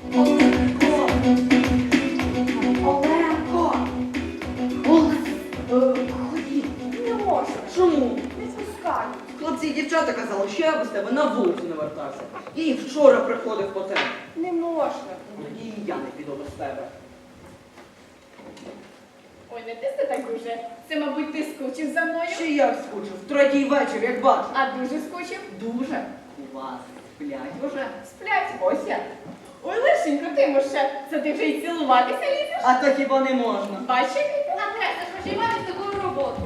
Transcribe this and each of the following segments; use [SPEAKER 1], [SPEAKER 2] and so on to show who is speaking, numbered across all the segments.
[SPEAKER 1] Оленко! Оленко! Ходіть.
[SPEAKER 2] Не можу.
[SPEAKER 1] Чому?
[SPEAKER 2] Не пускаю.
[SPEAKER 1] Хлопці і дівчата казали, що я без тебе на вулицю не вертався. Я і вчора приходив по тебе.
[SPEAKER 2] Не можна.
[SPEAKER 1] Тоді і я не піду без тебе.
[SPEAKER 2] Ой, не тисни так уже. Це, мабуть, ти скучив за мною.
[SPEAKER 1] Ще як скучив, третій вечір, як бачу.
[SPEAKER 2] А дуже скучив?
[SPEAKER 1] Дуже. У вас сплять уже.
[SPEAKER 2] Сплять. Ось я. Ой, Лешенько, ти може, це ти вже й цілуватися лізеш?
[SPEAKER 1] А то хіба не можна?
[SPEAKER 2] Бачиш, який ти? Адреса, що ж маєш таку роботу.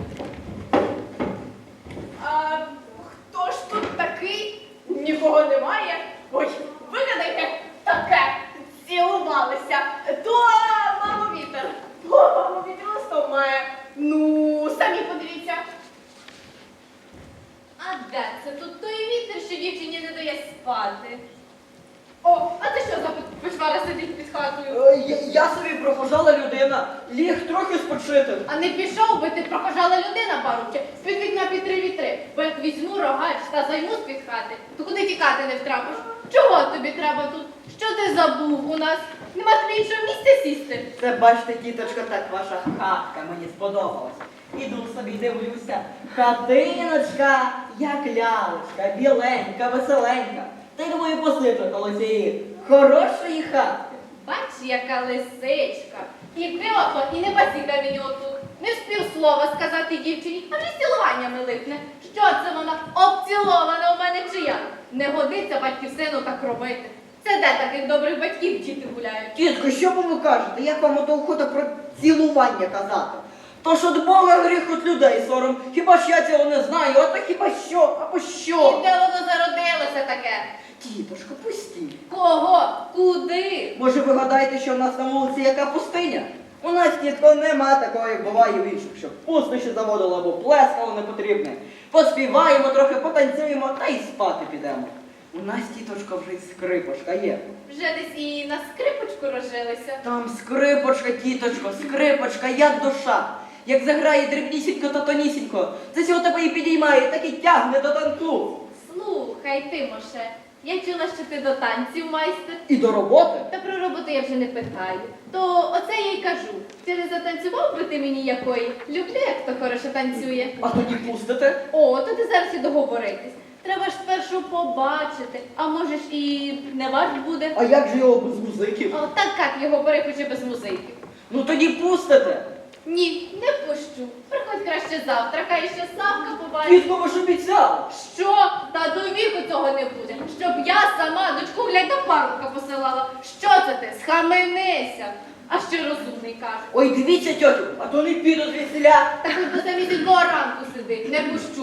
[SPEAKER 2] А хто ж тут такий? Нікого немає. Ой, вигадайте таке. Цілувалися. То мамо вітер. О, мамо вітер листом має. Ну, самі подивіться.
[SPEAKER 3] А де це тут той вітер, що дівчині не дає спати?
[SPEAKER 2] О, а ти що за печвара сидить під хатою?
[SPEAKER 1] Я собі прохожала людина, ліг трохи спочити.
[SPEAKER 2] А не пішов би ти, прохожала людина, парубче, з-під вікна під 3 вітри. Бо як візьму рогач та займу з-під хати, то куди тікати не втрапиш? Чого тобі треба тут? Що ти забув у нас? Нема тобі іншого місця сісти?
[SPEAKER 1] Це, бачите, тіточка, так ваша хатка мені сподобалась. Іду собі дивлюся. Хатиночка, як лялечка, біленька, веселенька. Та й думаю, посиджу коло цієї хорошої хатки.
[SPEAKER 2] Бач, яка лисичка. І пило, і не базіка мені отут. Не встиг слова сказати дівчині, а вже з цілуваннями липне. Що це вона обцілована у мене чи я? Не годиться батьків сину так робити. Це де таких добрих батьків діти гуляють?
[SPEAKER 1] Тітко, що ви кажете? Як вам ото охота про цілування казати? То ж от Бога гріх от людей сором. Хіба ж я цього не знаю? А то хіба що? Або
[SPEAKER 2] І
[SPEAKER 1] що?
[SPEAKER 2] де воно зародилося таке?
[SPEAKER 1] Тіточко, пустіть.
[SPEAKER 2] Кого? Куди?
[SPEAKER 1] Може ви гадаєте, що в нас на вулиці яка пустиня? У нас, тітко, нема такого, як буває в інших, щоб пустище заводило або плескало непотрібне. Поспіваємо трохи, потанцюємо та й спати підемо. У нас, тіточко, вже й скрипочка є.
[SPEAKER 2] Вже десь і на скрипочку розжилися.
[SPEAKER 1] Там скрипочка, тіточко, скрипочка, як душа. Як заграє дрібнісінько та тонісінько, це цього тебе і підіймає, так і тягне до танцю.
[SPEAKER 2] Слухай, Тимоше, я чула, що ти до танців майстер.
[SPEAKER 1] І до роботи.
[SPEAKER 2] Та про роботу я вже не питаю. То оце я й кажу. Чи не затанцював би ти мені якої? Люблю, як хто хорошо танцює.
[SPEAKER 1] А тоді пустите?
[SPEAKER 2] О, то ти зараз і договоритись. Треба ж спершу побачити, а може ж і не варт буде.
[SPEAKER 1] А як же його без музиків?
[SPEAKER 2] О, так як його перехоче без музики.
[SPEAKER 1] Ну тоді пустите.
[SPEAKER 2] Ні, не пущу. Приходь краще завтра, хай ще Савка побачить.
[SPEAKER 1] Тітко, ви ж обіцяли.
[SPEAKER 2] Що? Та до віку цього не буде. Щоб я сама дочку глядь до парубка посилала. Що це ти? Схаменися. А ще розумний каже.
[SPEAKER 1] Ой, дивіться, тьотю, а то не піду звідсіля.
[SPEAKER 2] Та хоч до самісінького ранку сиди, не пущу.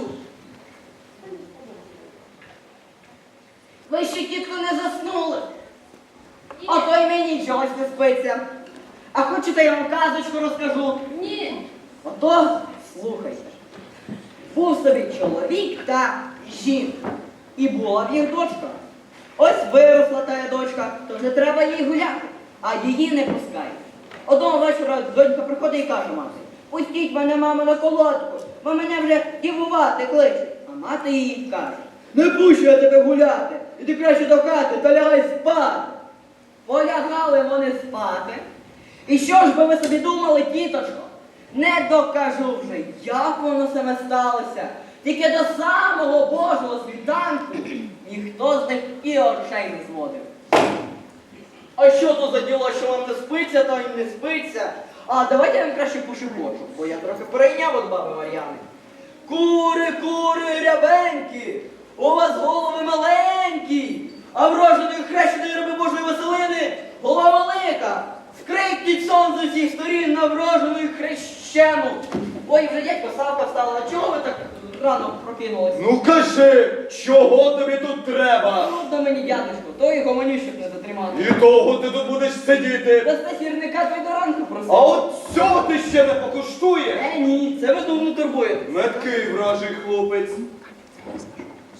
[SPEAKER 1] Ви ще, тітко, не заснули. А то й мені чогось не спиться. А хочете, я вам казочку розкажу?
[SPEAKER 2] Ні.
[SPEAKER 1] Ото слухайте. Був собі чоловік та жінка. І була в їх дочка. Ось виросла та дочка, то вже треба їй гуляти, а її не пускають. Одного вечора донька приходить і каже мамі: пустіть мене, мамо, на колодку, бо мене вже дівувати кличуть. А мати їй каже: не пущу я тебе гуляти, іди краще до хати та лягай спати. Полягали вони спати. І що ж би ви собі думали, тіточко? Не докажу вже, як воно саме сталося. Тільки до самого Божого світанку ніхто з них і очей не зводив. А що то за діло, що вам не спиться, то й не спиться? А давайте я вам краще пошепочу, бо я трохи перейняв від баби Мар'яни. Кури, кури, рябенькі, у вас голови маленькі, а вроженої хрещеної раби Божої Василини голова велика. Скрипніть сон з усіх сторін на врожену хрещену. Ой, вже дядько Савка встала, а чого ви так рано прокинулися?
[SPEAKER 4] Ну кажи, чого тобі тут треба?
[SPEAKER 1] Трудно мені, дядечко, то і гомонішок не затримати.
[SPEAKER 4] І того ти тут будеш сидіти.
[SPEAKER 1] Дасте сірника, то й до ранку просив.
[SPEAKER 4] А от цього ти ще не покуштуєш?
[SPEAKER 1] Ні, це ви думно турбуєте.
[SPEAKER 4] Меткий вражий хлопець.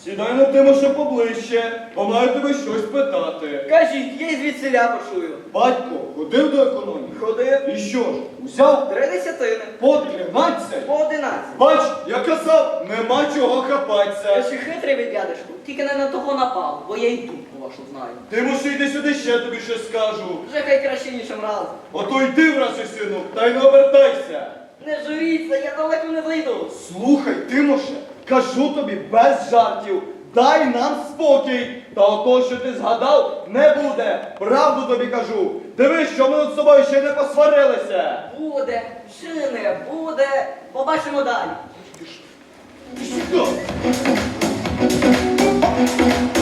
[SPEAKER 4] Сідай на Тимоше поближче, бо маю тебе щось питати.
[SPEAKER 1] Кажіть, я й звідсиля почую.
[SPEAKER 4] Батько ходив до економії?
[SPEAKER 1] Ходив
[SPEAKER 4] І що ж, узяв
[SPEAKER 1] 3 десятини,
[SPEAKER 4] по 13?
[SPEAKER 1] по 11.
[SPEAKER 4] Бач, я казав, нема чого
[SPEAKER 1] Я
[SPEAKER 4] хапатися.
[SPEAKER 1] ще хитрий ви, дядечку, тільки не на того напав, бо я й дудку вашу знаю.
[SPEAKER 4] Тимоше, йди сюди, ще тобі щось скажу.
[SPEAKER 1] Вже хай краще іншим разом.
[SPEAKER 4] Ото йди, враже сину, та й не обертайся.
[SPEAKER 1] Не журіться, я далеко не зайду.
[SPEAKER 4] Слухай, Тимоше, кажу тобі без жартів, дай нам спокій. Та ото, що ти згадав, не буде. Правду тобі кажу. Дивись, що ми з собою ще не посварилися.
[SPEAKER 1] Буде, чи не буде, побачимо далі.
[SPEAKER 4] Що?